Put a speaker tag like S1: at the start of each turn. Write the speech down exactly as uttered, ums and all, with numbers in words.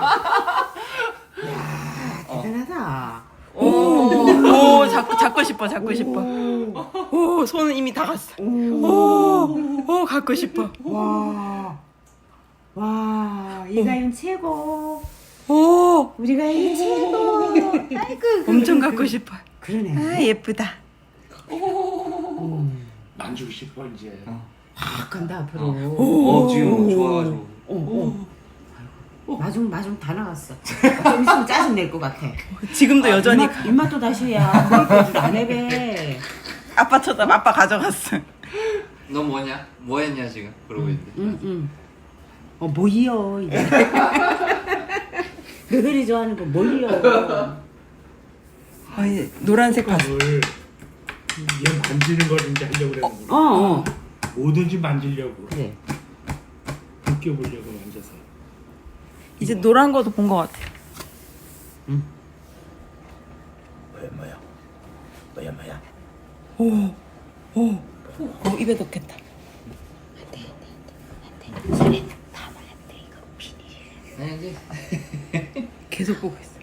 S1: 대단하다.
S2: 오, 오, 잡고, 잡고 싶어, 잡고 싶어. 오, 손은 이미 다 갔어. 오, 오, 갖고 싶어.
S1: 와, 와, 이 가연 최고.
S2: 오,
S1: 우리 가연 최고. 아이고,
S2: 엄청 갖고 싶어.
S1: 그러네.
S2: 아, 예쁘다.
S3: 만지고 싶어 이제.
S1: 확 간다 앞으로.
S4: 어 지금 좋아가지고.
S1: 어, 어. 마중 마중 다 나갔어. 좀 있으면 짜증 낼 것 같아.
S2: 지금도 여전히
S1: 입맛, 입맛도 다시 해야. 그럴 줄안 해배.
S2: 아빠 쳐다 아빠 가져갔어.
S4: 너 뭐냐? 뭐 했냐 지금? 그러고 있는데.
S1: 응, 응. 어, 뭐이요 이제. 너들이 좋아하는 거 뭐이요.
S2: 아, 이 노란색 봤어.
S3: 뭘, 얘 만지는 걸 이제 하려고 그러는구나.
S1: 어, 어.
S3: 뭐든지 만지려고.
S1: 그래.
S3: 느껴보려고 만져서.
S2: 이제 노란 거도 본 것 같아.
S3: 뭐야 뭐야. 뭐야 뭐야.
S2: 오, 오, 오, 입에 넣겠다.
S1: 손에 담아야 돼 이거 비닐.
S4: 아니 이제
S2: 계속 보고 있어.